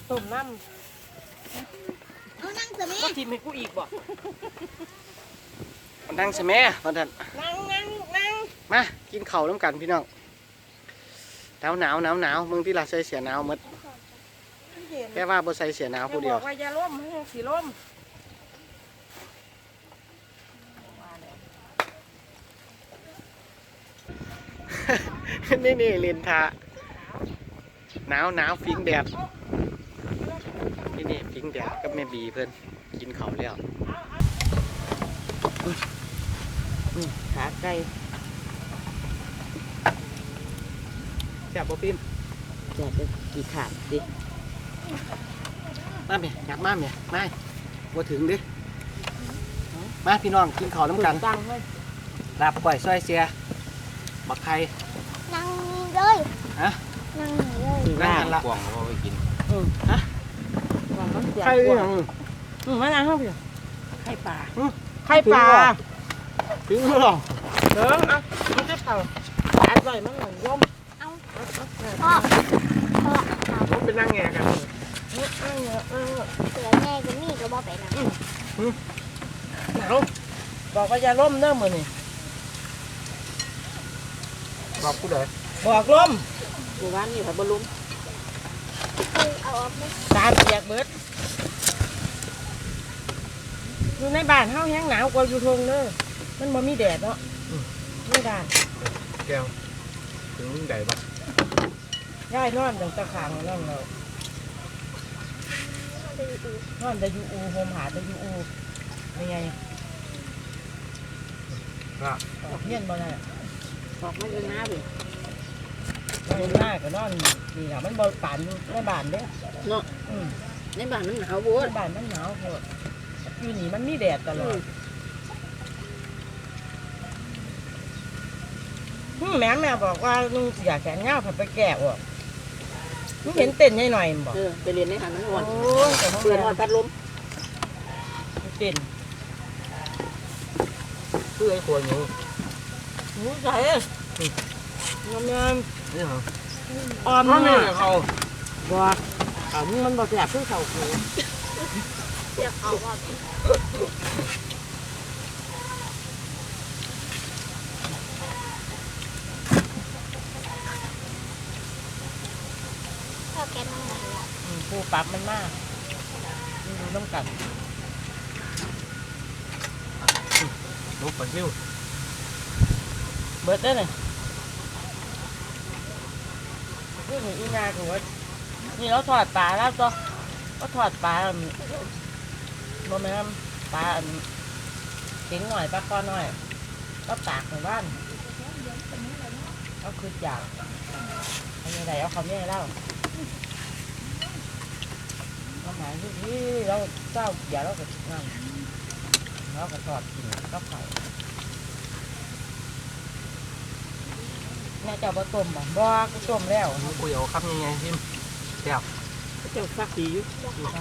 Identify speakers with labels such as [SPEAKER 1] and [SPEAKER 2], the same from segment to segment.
[SPEAKER 1] ต้มน้ำ
[SPEAKER 2] เอานั่งสิแม่
[SPEAKER 1] ก็ทิมให้กูอีกบ่
[SPEAKER 3] มันนั่งใช่ไหมมันนั่น
[SPEAKER 1] นั่ง
[SPEAKER 3] มากินข้าวน้ำกันพี่น้องหนาวมึงที่เราใส่เสียหนาวหมดแค่ว่าบ่ใส่เสียหนาวผู้เดียว
[SPEAKER 1] บอกว่าอย่าล้มให้สีล้ม
[SPEAKER 3] นี่เล่นทาหนาวฟิงแดดนี่ฟิงแดดกับแม่บีเพิ่นกินข้าวแล้ว
[SPEAKER 1] ขาไก่
[SPEAKER 3] แซ่บบ่ปิ้ม
[SPEAKER 1] แซ่บเลยกี่ขาดดิ
[SPEAKER 3] มาเมียอยากมาเมียมาบ่ถึงดิมาพี่น้องกินข้าวน้ำกัน
[SPEAKER 1] ตั้งเลย
[SPEAKER 3] ลาบก่อยซอยเสียบักไข่
[SPEAKER 2] นั่งเลย
[SPEAKER 3] ฮะ
[SPEAKER 2] นั่งเลย
[SPEAKER 3] นั่งละ
[SPEAKER 4] กวางเราไปกิน
[SPEAKER 3] ฮะไข่ยัง
[SPEAKER 1] มานั่งห้องพี่ไข่ปลา
[SPEAKER 3] ถึงหรอ
[SPEAKER 1] เด้ออ่ะมันจะเผาอร่อยมากเลยย่อม
[SPEAKER 2] พ่อ
[SPEAKER 3] ผมเป็นนั่งแงกัน
[SPEAKER 2] เสือแง่ก็มีก็บอกไปนะ
[SPEAKER 1] บอกว่าอย่าล้มเด้อมื้อนี่
[SPEAKER 3] บอกกูเลย
[SPEAKER 1] บอกล้มอยู่บ้านนี่ค่ะบ่ล้ม
[SPEAKER 2] เอาออกไหม
[SPEAKER 1] ตาเปียกเบิดอยู่ในบ้านเฮาแห้งหนาวกว่าอยู่ทงเด้อมันบ่มีแดดเนาะไม่ได้
[SPEAKER 3] แก้วถึงมึงใดบ้าง
[SPEAKER 1] ย้ายนอนอย่างตะขางนั่นเรานอนได้อยู่อูโฮมหาได้อยู่อูยังไง
[SPEAKER 3] ครับ
[SPEAKER 1] เฮียนบ่ได้
[SPEAKER 2] บอกไม่เป็นหน้าเลย
[SPEAKER 1] นอนหน้าก็นอนนี่ล่ะมันบ่ปานอยู่ในบ้านเด้เนาะ
[SPEAKER 2] ในบ้านมันหนาวบัว
[SPEAKER 1] ในบ้านมันหนาวโพดอยู่นี่มันมีแดดตลอดแม่บอกว่าลุงอยากแขนเงาผัดไปแกะว่ะมึงเห็นเต้นหน่อยๆบอก
[SPEAKER 2] ไปเรียนในหันนั้นก่อน
[SPEAKER 1] เปิด
[SPEAKER 2] พัดลม
[SPEAKER 1] เต้น
[SPEAKER 3] เพื่อไอ้คนอยู่
[SPEAKER 1] หูใส่งาม
[SPEAKER 3] นี่เหรอ
[SPEAKER 1] ออม
[SPEAKER 3] นี่เขา
[SPEAKER 1] บอกมันบอกอยากขึ้นเขาคู
[SPEAKER 2] เสียเขาว่าแกนั่งไหน
[SPEAKER 1] ผู้ปรับมันมากดูน้ำกัด
[SPEAKER 3] ลูกปลาซิว
[SPEAKER 1] เบิดได้เลยนี่หนูอีนาคือว่านี่เราถอดปลาแล้วก็ถอดปลาโมเมนต์ปลาเก่งหน่อยปลาคอหน่อยก็ตากในบ้านก็คืออยากอันนี้ไหนเอาเขาเนี่ยเล่าเราหมายที่เราเจ้าอย่าเราก็นั่งเราก็ทอดกินก็เผาแม่เจ้าบ่ต้มบ่ก็ต้มแล้ว
[SPEAKER 3] กูเอาครับยังไงพิมเดี๋ยว
[SPEAKER 1] เจ้าฟักดีอยู่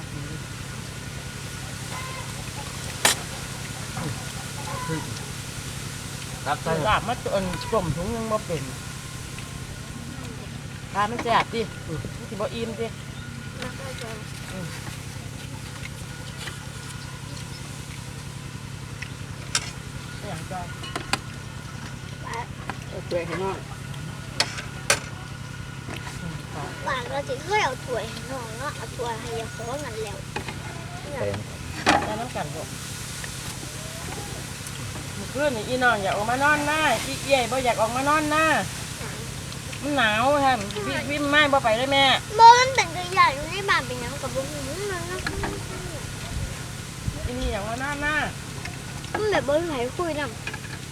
[SPEAKER 3] รับใส่
[SPEAKER 1] ลาบมาต้มถุงยังบ่เป็นปลามันแซ่บดิมันสิบ่อิ่มดิอย่างจ้าเปื่อยให้น้อย
[SPEAKER 2] บ้านเราจะเคยเอาถ้วยน้องเนาะเอาถ้วยให้ยาฟ้องกันแล้ว
[SPEAKER 1] แล้วน้ำกันลูกเพื่อนอีน้องอยากออกมานอนหน้าอีเอี่ยบ่อยากออกมานอนหน้ามันหนาวท่านวิ่งไม่บ่ไปเลยแม่
[SPEAKER 2] บ่มันเป็นตัวใหญ่อยู่ในบ้านเป็นยังกับบุ้งมัน
[SPEAKER 1] อีนี่อยากมานอนหน้า
[SPEAKER 2] มันแบบบ่ไหลคุยนำ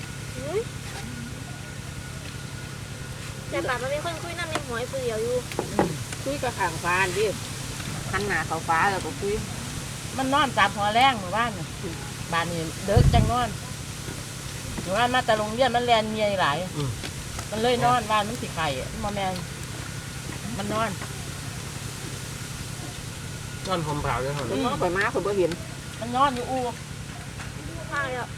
[SPEAKER 2] แต่ป่ามันมีคนคุยนำในหัวไอ้เดียวอยู่
[SPEAKER 1] คุยกับข้างฟ้าดิหันหน้าเข้าฟ้าแล้วก็คุยมันนอนจับหัวแรงหมู่บ้านบ้านนี้เด็กจังนอนหมู่บ้านมาแต่โรงเรียนมันแลนเมียหลายมันเลยนอนบ้านมันสิไข่มาแมงมันนอน
[SPEAKER 3] ผมเผาเลยเหรอ
[SPEAKER 1] มันนอนไปม้าผมก็เห็นมันนอนอยู่อู
[SPEAKER 2] ใช่อ่ะ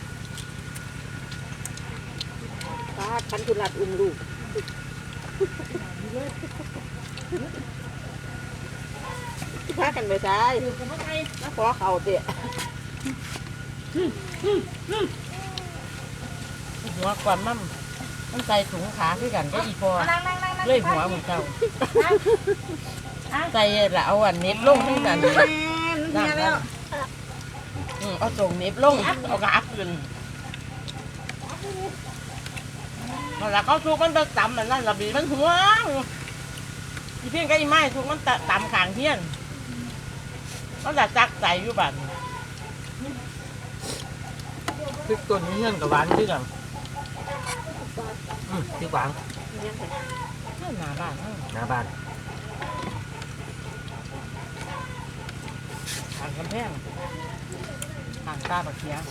[SPEAKER 1] ฉันคือหลัดอุ้มลูก
[SPEAKER 4] พากันไปใช้แล้วขอเขาเตะ
[SPEAKER 1] หัวกว่ามันใส่ถุงขาคือกันก็อีพอเลยหัวเหมือนเจ้าใส่ละเอาอันเน็บลงทั้งนั้นนั่นเอาส่งเน็บลงเอากระอักขึ้นแล้วเขาทุกมันไปต่ำมันนั่นระบีมันหัวอีเพี้ยนก็อีไม้ทุกมันต่ำขางเพี้ยนมันจะจักใส่อยู่บ้านพริกต้นนี้เงี้ยกับหวานด้วยกันพริกหวานหน้าบ้านหน้าบ้านทางกำแพงทางตาบักเขีย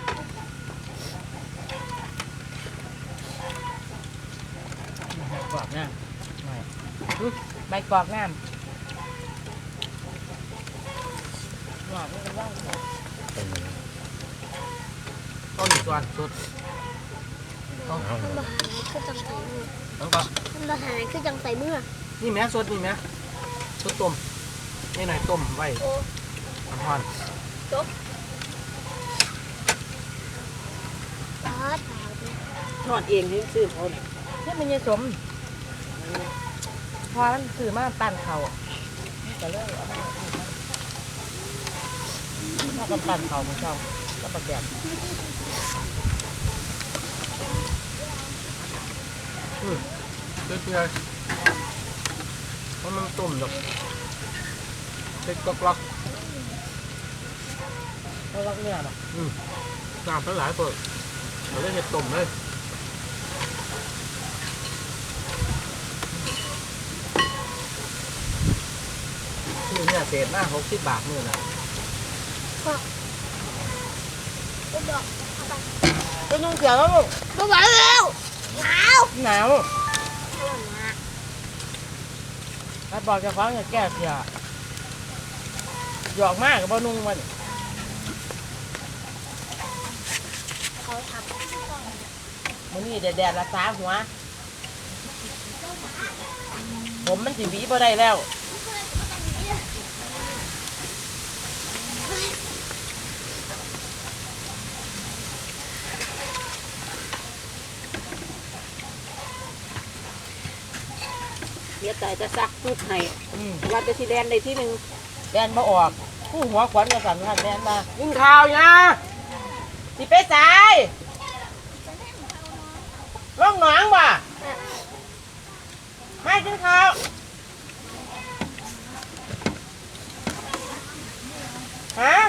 [SPEAKER 1] ใบกอกน้ำใบกอกน้ำหวานไม่เป็นไรต้นส่วนสุด
[SPEAKER 2] มันมาหาคือจังใส่มือ
[SPEAKER 3] แล้วก็
[SPEAKER 2] มันมาหาคือจังใส่มือ
[SPEAKER 3] นี่แม่สดนี่แม่สดต้มนี่หน่อยต้มไว้
[SPEAKER 2] โอ้
[SPEAKER 3] น้ำร้อน
[SPEAKER 2] ตาตาเนี่ย
[SPEAKER 4] ทอดเองให้ซื้อเขา
[SPEAKER 1] นี่มันยังสมพอมันซื้อมาปั่นเขาจะเลิกเอามาถ้ากันปั่นเขามันชอบก็ประแดด
[SPEAKER 3] เพื่อเพราะมันต้มแบบเล็กกรอก
[SPEAKER 1] เราลักเนื้อหรอ
[SPEAKER 3] น้ำทั้งหลายเปิดเราได้เห็ดต้มเลยนี่เนี่ยเศษหน้า60 บาทนี่นะ
[SPEAKER 2] ก็บอก
[SPEAKER 1] ก็นุ่งเสียแล้วลูก
[SPEAKER 2] ก็บอกแล้วหนาว
[SPEAKER 1] หนาว
[SPEAKER 2] อร่อยมาก
[SPEAKER 1] ถ้าบอกจะฟ้องอย่าแก้เสียหยอกมากกับบ่นุ่งมัน
[SPEAKER 2] เขาท
[SPEAKER 1] มันนี่แดดละสาหัวผมมันสิหวีบ่ได้แล้ว
[SPEAKER 4] เดี๋ยวใจจะซักทุกให้
[SPEAKER 1] อืม
[SPEAKER 4] ว่าจะสีแดนในที่หนึ่ง
[SPEAKER 1] แดนมาออกผู้หัวขวัญกระสันขันแดนมายิงข่าวนะสิไปสายร่องหนองบ่ไม่กินข้าวฮะ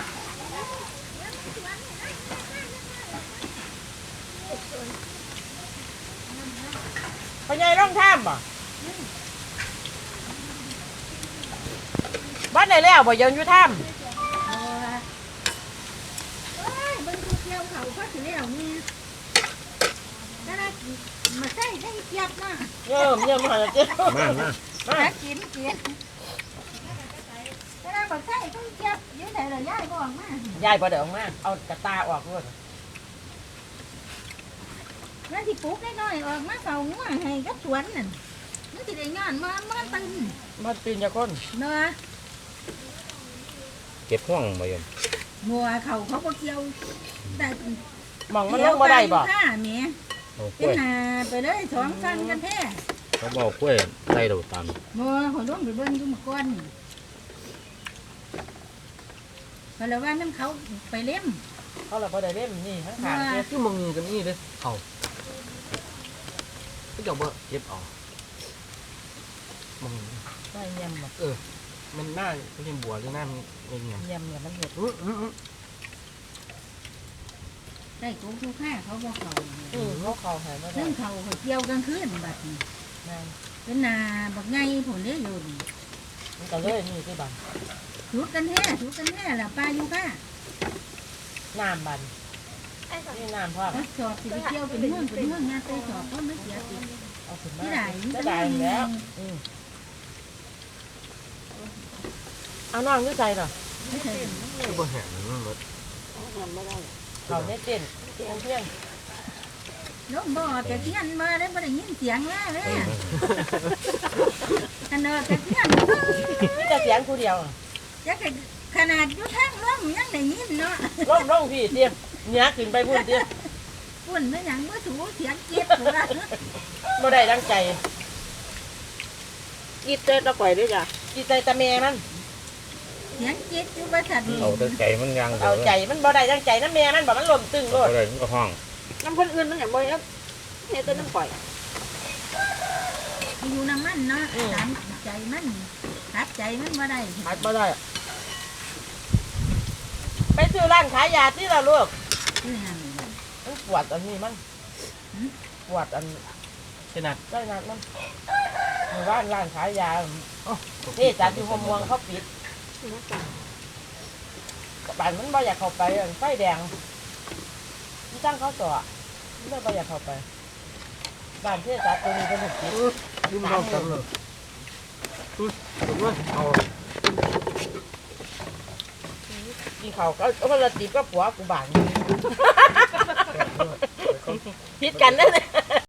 [SPEAKER 1] พญายร่องท่ามบ่บ้านไหนแล้วบ่ยังอยู่ท่าม
[SPEAKER 5] bên khu kêu khẩu phát thì leo nghe đó là mà thấy chặt mà
[SPEAKER 1] เยิ่มมาเจ้า
[SPEAKER 3] มา
[SPEAKER 5] đã chín kìa đó là mà thấy có chặt dưới này là dai còn mà
[SPEAKER 1] ยายบ่เดี๋ยวมาเอากระตาออกด้วย
[SPEAKER 5] nó thì cút cái nói má cầu ngó hay gấp chuẩn nè nó thì để nhọn mà tin
[SPEAKER 1] มันปีนจะก้น
[SPEAKER 5] nó
[SPEAKER 6] เก็บห่วงมาโยม
[SPEAKER 5] mùa khẩu không có kêu tại
[SPEAKER 1] มองมันลงบ่ได้บ่
[SPEAKER 5] ha mẹ
[SPEAKER 6] เอากล้วย
[SPEAKER 5] cái là phải đấy thoáng phân cái thế
[SPEAKER 6] เขาบอกกล้วยใส่ดอกตาล
[SPEAKER 5] mùa hồi đó phải bên cho một con phải là ban năm khẩu phải lém
[SPEAKER 1] เขาเลยบ่ได้เล่มนี่ทั้งขางเจ็บ
[SPEAKER 3] ที่มึงกันนี่เลยเอาก็จะเบอเก็บเอามึง
[SPEAKER 1] ไม่เยี่ยมบ่
[SPEAKER 3] มันหน้าเป็นบัวหรือหน้ามันเงียบ
[SPEAKER 1] เยี่ยมเนี่ยมันเห็ด
[SPEAKER 5] đây cũng thu khá không có khẩu
[SPEAKER 1] เขาหายไม่ได้
[SPEAKER 5] นึ่งเขาเขาเกี่ยวกลางคืนบัดนี้
[SPEAKER 1] งาน
[SPEAKER 5] เป็นนาบักไงผลเลี้ยอยู่นี่
[SPEAKER 1] มันก็เลยนี่ที่บัง
[SPEAKER 5] ชุดกันแท้ละปลาอยู่ค่ะ
[SPEAKER 1] น้ำบัน
[SPEAKER 2] ำไอ้สัตว์
[SPEAKER 1] นี่น้ำพ่อ
[SPEAKER 5] ก็สอบสิไปเกี่ยวเป็นเมืองงานเตยสอบก็ไม่เสียติ
[SPEAKER 1] เอาขึ้นมา
[SPEAKER 5] ที่ไหน
[SPEAKER 1] จะได้แล้วเอาน้องด้วยใจเหรอ
[SPEAKER 5] ไม่ใช่
[SPEAKER 3] คือบ่แห้งมันหมด
[SPEAKER 4] ทำไม่ได้
[SPEAKER 1] เขาเนี่ยเต้นเพียง
[SPEAKER 5] ล้มบ่อแต่เทียนมาได้บ่ได้ยินเสียงแล้วเลยขนาดแต่เทียน
[SPEAKER 1] มีแต่เสียงผู้เดียว
[SPEAKER 5] จะขนาดอยู่ทางล้มยังได้ยินเนาะ
[SPEAKER 1] ร่องพี่เตี้ยเนี้ยขึ้นไปพุ่นเตี้ย
[SPEAKER 5] ปุ่นไม่หยังบ่ถูเสียงเจ็บหัว
[SPEAKER 1] บ่ได้ดังใจ
[SPEAKER 4] กินเต้นตะก่อยด้วยจ้ะ
[SPEAKER 1] จิตใจตะแม่มัน
[SPEAKER 5] เสียงเจ็บอยู่บ่ทัน
[SPEAKER 6] เอาแต่ใจมันยัง
[SPEAKER 1] เอาใจมันบ่ได้ดังใจนะแม่มันบอกมันหล่มตึงโล
[SPEAKER 6] เอา
[SPEAKER 1] ด
[SPEAKER 6] เลยมันก็ห้อง
[SPEAKER 4] น้ำคนอื่นมันอย่างบ่อยแล้วเนี่ยเต้นน้ำก่อย
[SPEAKER 5] อยู่น้ำมันเนาะตามใจมันตัดใจมันบ่ได้
[SPEAKER 1] หัดบ่ได้ไปซื้อร้านขายยาที่ละลูก
[SPEAKER 5] คือหยัง
[SPEAKER 1] มันปวดอันนี้มันปวดอัน
[SPEAKER 3] ขนาด
[SPEAKER 1] ได้นัดมันหมู่บ้านร้านขายยานี่จานที่หัวม่วงเขาปิดบ้านมันบ่อยากเข้าไปไฟแดงมันจ้างเขาต่อไม่บ่อยากเข้าไปบ้านที่จัดตัวนี้เป็นหนึ่งปิด
[SPEAKER 3] ยืมน้องกันเลยตุ้ยตุ้ยเอา
[SPEAKER 1] กินข้าวก็เอาละตีก็ผัวกูบ้านพิดกันนั่นเลย